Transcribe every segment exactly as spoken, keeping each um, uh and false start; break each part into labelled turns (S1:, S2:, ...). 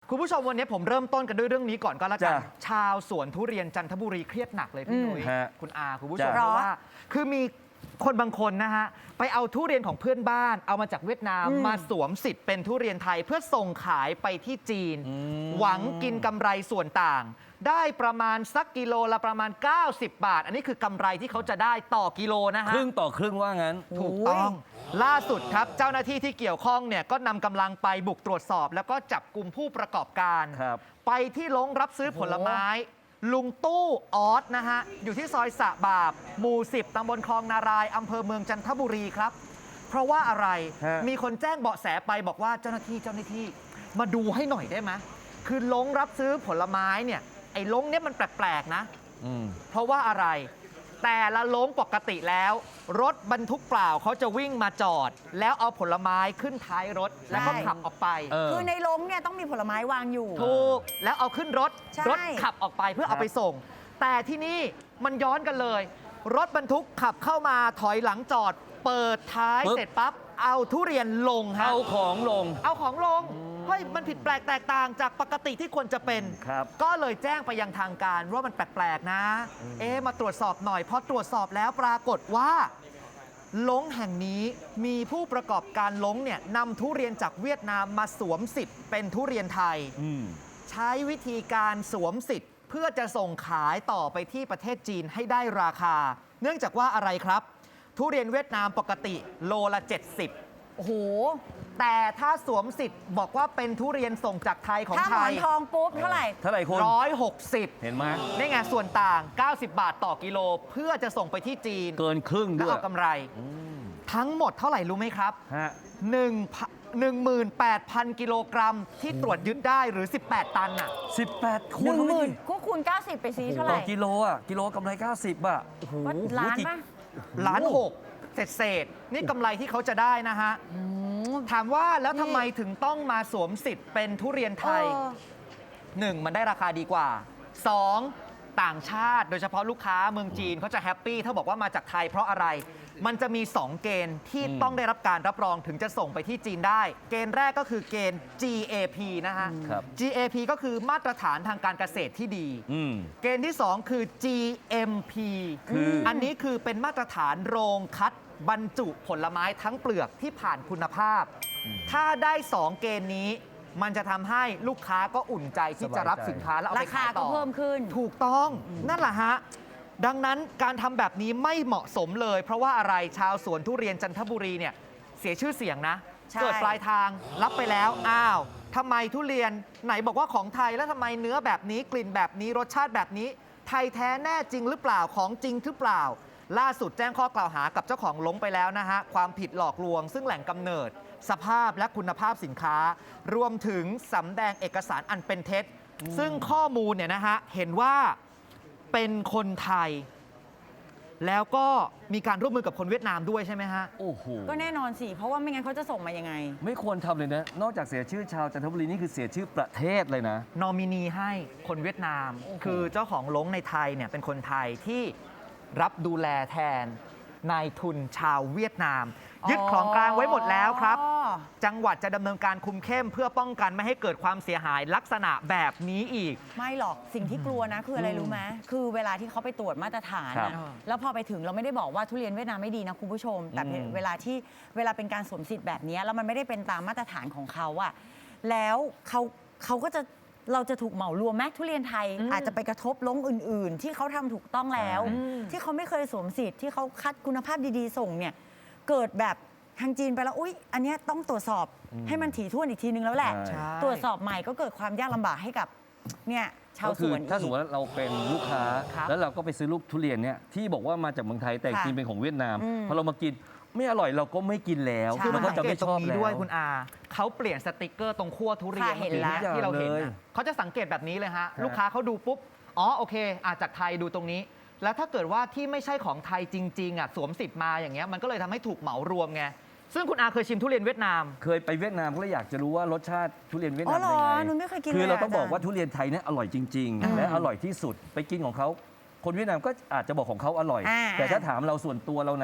S1: คุณผู้ชมวันนี้ผมเริ่มต้นกันด้วยเรื่องนี้ก่อนก็แล้วกัน
S2: จ้ะ
S1: ชาวสวนทุเรียนจันทบุรีเครียดหนักเลยพี่
S2: อืม
S1: นุ้ย
S2: ฮะ
S1: คุณอาคุณผู้ชม
S2: จ้ะ
S1: เพราะว่า คือมีคนบางคนนะฮะไปเอาทุเรียนของเพื่อนบ้านเอามาจากเวียดนาม
S3: อืม
S1: มาสวมสิทธิ์เป็นทุเรียนไทยเพื่อส่งขายไปที่จีน
S2: อืม
S1: หวังกินกำไรส่วนต่าง ได้ประมาณสักกิโลละประมาณ เก้าสิบบาท อันนี้คือกำไรที่เขาจะได้ต่อกิโลนะ
S2: ค
S1: ฮะ
S2: รึ่งต่อครึ่งว่างั้น
S1: ถูกต้อง ล่าสุดครับ เจ้าหน้าที่ที่เกี่ยวข้องเนี่ยก็นำกำลังไปบุกตรวจสอบ แล้วก็จับกลุ่มผู้ประกอบการ
S2: ครับ
S1: ไปที่ลงรับซื้อผลไม้ ลุงตู้ออสนะฮะ อยู่ที่ซอยสะบาบ หมู่ สิบ ตำบลคลองนารายอำเภอเมืองจันทบุรีครับ เพราะว่าอะไร
S2: ฮะ
S1: มีคนแจ้งเบาะแสไปบอกว่าเจ้าหน้าที่เจ้าหน้าที่มาดูให้หน่อยได้ไหมคือลงรับซื้อผลไม้เนี่ยไอ้ลงเนี่ยมันแปลกๆนะ
S2: อืม
S1: เพราะว่าอะไร แต่ละโล้งปกติแล้ว รถบรรทุกเปล่าเขาจะวิ่งมาจอด แล้วเอาผลไม้ขึ้นท้ายรถ แล้วก็
S3: ใช่
S1: ขับออกไป
S2: เออ
S3: คือในโรงเนี่ยต้องมีผลไม้วางอยู่
S1: ถูก แล้วเอาขึ้นรถ
S3: ใช่
S1: รถขับออกไปเพื่อเอาไปส่ง แต่ที่นี่มันย้อนกันเลย รถบรรทุกขับเข้ามาถอยหลังจอด เปิดท้าย
S2: ปึ๊บ
S1: เสร็จปั๊บ เอาทุเรียนลงฮะ
S2: เอาของลง
S1: เอาของลง เฮ้ย มันผิดแปลกแตกต่างจากปกติที่ควรจะเป็น
S2: ครับ
S1: ก็เลยแจ้งไปยังทางการว่ามันแปลกๆนะ เอ๊ะมาตรวจสอบหน่อย พอตรวจสอบแล้วปรากฏว่าลงแห่งนี้มีผู้ประกอบการลงเนี่ยนำทุเรียนจากเวียดนามมาสวมสิทธิ์เป็นทุเรียนไทย
S2: อืม
S1: ใช้วิธีการสวมสิทธิ์ เพื่อจะส่งขายต่อไปที่ประเทศจีนให้ได้ราคา เนื่องจากว่าอะไรครับ ทุเรียนเวียดนามปกติโลละเจ็ดสิบ
S3: โอ้โห
S1: แต่ถ้าสวมสิทธิ์บอกว่าเป็นทุเรียนส่งจากไทยของ
S3: ถ้าห
S1: ไท
S3: มอย นทองปุ๊บเท่าไหร่
S2: เท่าไหร่คุณ
S1: ร้อยหกสิบ
S2: เห็นไหม
S1: นี่ไงส่วนต่าง เก้าสิบบาทต่อกิโล เพื่อจะส่งไปที่จีน
S2: เกินครึ่ง
S1: แล้ว
S2: ด้วย
S1: เอากำไร
S2: อืม
S1: ทั้งหมดเท่าไหร่รู้ไหมครับ
S2: ฮะ
S1: หนึ่งหมื่นแปดพัน กิโลกรัมที่ตรวจยึดได้หรือ สิบแปด ตันอ่ะ
S2: สิบแปด
S3: ห
S2: คูณ
S3: นึ่งหมื่น
S2: เข้าไปดิ
S3: ก็คูณเก้าสิบไปซีเท่าไห
S2: ต่
S3: ร่
S2: อกิโลอ่ะ กิโลกำไรเก้าสิบอ่ะโอ้โห
S3: ก็ล้านป่ะ
S1: ล้านหกเศษเศษๆนี่กำไรที่เขาจะได้นะฮะ
S3: อืม
S1: ถามว่าแล้ว
S3: นี่
S1: ทำไมถึงต้องมาสวมสิทธิ์เป็นทุเรียนไทย
S3: เออ
S1: หนึ่งมันได้ราคาดีกว่า สอง ต่างชาติโดยเฉพาะลูกค้าเมืองจีนเขาจะแฮปปี้ถ้าบอกว่ามาจากไทยเพราะอะไร มันจะมี สอง เกณฑ์ที่
S2: อืม
S1: ต้องได้รับการรับรองถึงจะส่งไปที่จีนได้ เกณฑ์แรกก็คือเกณฑ์ จี เอ พี นะฮะ
S2: ครับ
S1: จี เอ พี ก็คือมาตรฐานทางการเกษตรที่ดี
S2: อืม
S1: เกณฑ์ที่ สอง คือ จี เอ็ม พี
S2: คือ
S1: อันนี้คือเป็นมาตรฐานโรงคัดบรรจุผลไม้ทั้งเปลือกที่ผ่านคุณภาพ ถ้าได้ สอง เกณฑ์นี้ มันจะทำให้ลูกค้าก็อุ่นใจที่จะรับสินค้าแล้วเอา
S3: รา
S1: ไป
S3: คา
S1: ขาย
S3: ก็
S1: ต่อ
S3: เพิ่มขึ้น
S1: ถูกต้องนั่นแหละฮะ ดังนั้นการทำแบบนี้ไม่เหมาะสมเลย เพราะว่าอะไรชาวสวนทุเรียนจันทบุรีเนี่ยเสียชื่อเสียงนะ
S3: ใช่
S1: เกิดปลายทางรับไปแล้ว อ้าวทำไมทุเรียนไหนบอกว่าของไทยแล้วทำไมเนื้อแบบนี้กลิ่นแบบนี้รสชาติแบบนี้ ไทยแท้แน่จริงหรือเปล่าของจริงหรือเปล่า ล่าสุดแจ้งข้อกล่าวหากับเจ้าของลงไปแล้วนะฮะความผิดหลอกลวง ซึ่งแหล่งกำเนิด สภาพและคุณภาพสินค้า รวมถึงสำแดงเอกสารอันเป็นเท็จ ซึ่งข้อมูลเนี่ยนะฮะเห็นว่าเป็นคนไทย แล้วก็มีการร่วมมือกับคนเวียดนามด้วยใช่ไหมฮะ
S2: โอ้โห
S3: ก็แน่นอนสิ เพราะว่าไม่งั้นเขาจะส่งมายังไง
S2: ไม่ควรทำเลยนะ นอกจากเสียชื่อชาวจันทบุรีนี่คือเสียชื่อประเทศเลยนะ
S1: นอมินีให้คนเวียดนาม
S2: โอ้โห
S1: คือเจ้าของลงในไทยเนี่ยเป็นคนไทยที่รับดูแลแทนนายทุนชาวเวียดนาม ยึดของกลางไว้หมดแล้วครับ
S3: อ๋อ
S1: จังหวัดจะดำเนินการคุมเข้มเพื่อป้องกันไม่ให้เกิดความเสียหายลักษณะแบบนี้อีก
S3: ไม่หรอกสิ่งที่กลัวนะคืออะไรรู้ไหมคือเวลาที่เขาไปตรวจมาตรฐาน
S2: ครับ
S3: นะแล้วพอไปถึงเราไม่ได้บอกว่าทุเรียนเวียดนามไม่ดีนะคุณผู้ชม แต่
S2: อืม
S3: เวลาที่เวลาเป็นการสวมสิทธิ์แบบนี้แล้วมันไม่ได้เป็นตามมาตรฐานของเขาอะแล้วเขาเขาก็จะเราจะถูกเหมารวมแม้ทุเรียนไทย
S1: อืม
S3: อาจจะไปกระทบลงอื่น ๆ ที่เขาทำถูกต้องแล้ว
S2: ใช่
S3: ที่เขาไม่เคยสวมสิทธิ์ที่เขาคัดคุณภาพดีๆ ส่งเนี่ยเกิดแบบทางจีนไปแล้วอุ๊ยอันเนี้ยต้องตรวจสอบให้มันถี่ถ้วนอีกทีนึงแล้วแหละ
S2: ใช่
S3: ตรวจสอบใหม่ก็เกิดความยากลำบากให้กับเนี่ยชาว
S2: ก็
S3: ส
S2: คือ
S3: วน
S2: ถ้าสม
S3: อี
S2: ม
S3: ก
S2: ติว่าเราเป็นลูกค้า
S1: ครับ
S2: แล้วเราก็ไปซื้อลูกทุเรียนเนี่ยที่บอกว่ามาจากเมืองไทยแต่
S3: ค่ะ
S2: จริงเป็นของเวียดนาม
S3: อืม
S2: พอเรามากินไม่อร่อยเราก็ไม่กินแล้ว
S3: ใช่
S2: คือมันก็
S1: สั
S2: จะ
S1: งเก
S2: ไม่
S1: ตต
S2: ช
S1: ร
S2: อบ
S1: งนี้
S2: แล้ว
S1: ด้วยคุณอาเขาเปลี่ยนสติกเกอร์ตรงขั้วทุเรียน
S3: ค่ะเห็นแล้ว
S1: ที่เราเห็น
S2: เลย
S1: นะเขาจะสังเกตแบบนี้เลยฮะ
S2: ฮะ
S1: ลูกค้าเขาดูปุ๊บ อ๋อโอเคอาจากไทยดูตรงนี้ แล้วถ้าเกิดว่าที่ไม่ใช่ของไทยจริงๆอ่ะสวมสิทธิ์มาอย่างเงี้ยมันก็เลยทำให้ถูกเหมารวมไงซึ่งคุณอาเคยชิมทุเรียนเวียดนาม
S2: เคยไปเวียดนามก็เลยอยากจะรู้ว่ารสชาติทุเรียนเวียด
S3: อ๋
S2: นา
S3: อ
S2: ม
S3: เหร
S2: เป็น
S3: อ
S2: ไง
S3: หนูไม่เคยกิน
S2: คือ
S3: ลย
S2: เราต้องบอกว่า
S3: จรย์
S2: ทุเรียนไทยเนี่ยอร่อยจริง
S3: อืม
S2: ๆ และอร่อยที่สุดไปกินของเขาคนเวียดนามก็อาจจะบอกของเขาอร่อย
S3: อ่า
S2: แต่ถ้าถามเราส่วนตัวเรานะ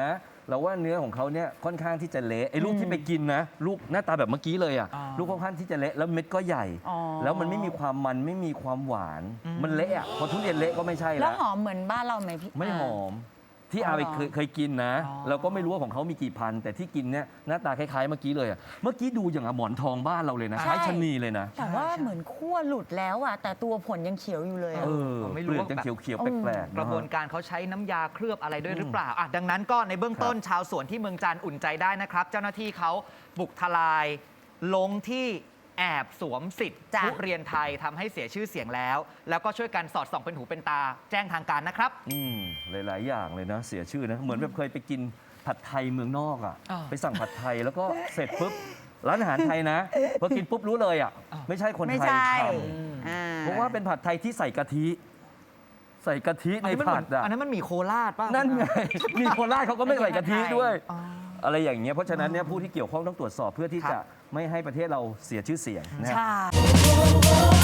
S2: เราว่าเนื้อของเขาเนี่ยค่อนข้างที่จะเละไอ้ลูกที่ไปกินนะลูกหน้าตาแบบเมื่อกี้เลยอ่ะ
S1: อ่า
S2: ลูกค่อนข้างที่จะเละแล้วเม็ดก็ใหญ่
S3: อ๋อ
S2: แล้วมันไม่มีความมันไม่มีความหวาน มันเละอ่ะพอทุเรียนเละก็ไม่ใช่
S3: แล้
S2: แล้ว ว
S3: หอมเหมือนบ้านเราไหมพี่
S2: ไม่หอมที่
S3: อ๋อ
S2: อาไป
S3: เหรอ
S2: เคยเคยกินนะ
S1: อ๋อ
S2: เราก็ไม่รู้ว่าของเขามีกี่พันแต่ที่กินเนี่ยหน้าตาคล้ายๆเมื่อกี้เลยอะเมื่อกี้ดูอย่างอะหมอนทองบ้านเราเลยนะคล้ายชะนีเลยนะ
S3: แต่ว่าเหมือนขั้วหลุดแล้วอ่ะแต่ตัวผลยังเขียวอยู่เลยอะ
S2: เออ
S1: ไม่
S2: เป
S1: รู้
S2: ลือก
S1: ว่า
S2: ยัง
S1: แบบ
S2: เขียวๆ
S3: อืม
S2: แปลกๆ
S1: กระบวน
S2: น
S1: การเขาใช้น้ำยาเคลือบอะไรด้วยหรือเปล่าอ่ะดังนั้นก็ในเบื้องต้นชาวสวนที่เมืองจันทร์อุ่นใจได้นะครับ เจ้าหน้าที่เขาบุกทลายลงที่แอบสวมสิทธิ์
S3: จ้ะ
S1: ทุเรียนไทยทำให้เสียชื่อเสียงแล้ว แล้วก็ช่วยกันสอดส่องเป็นหูเป็นตาแจ้งทางการนะครับ
S2: อืมหลาย ๆ อย่างเลยนะ เสียชื่อนะ เหมือนแบบเคยไปกินผัดไทยเมืองนอกอ่ะ
S1: อ่า
S2: ไปสั่งผัดไทยแล้วก็เสร็จปุ๊บร้านอาหารไทยนะพอกินปุ๊บรู้เลยอ่ะ
S1: อ่า
S2: ไม่ใช่คน
S3: ไม่
S2: ไทย
S3: ใช่
S2: ท
S3: อ่
S2: ำเพราะว่าเป็นผัดไทยที่ใส่กะทิ ใส่กะทิใน
S1: อันนี้มัน
S2: ผัดอ่ะ
S1: อันนั้นมันหมีโคราชป่ะ
S2: นั่นไง มีโคราชเขาก็ไม่ใส่กะทิด้วย
S1: อ๋อ
S2: อะไรอย่างเงี้ยเพราะฉะนั้นเนี่ยผู้ที่เกี่ยวข้องต้องตรวจสอบเพื่อที่
S1: ครับ
S2: จะไม่ให้ประเทศเราเสียชื่อเสียงนะ
S3: ใช่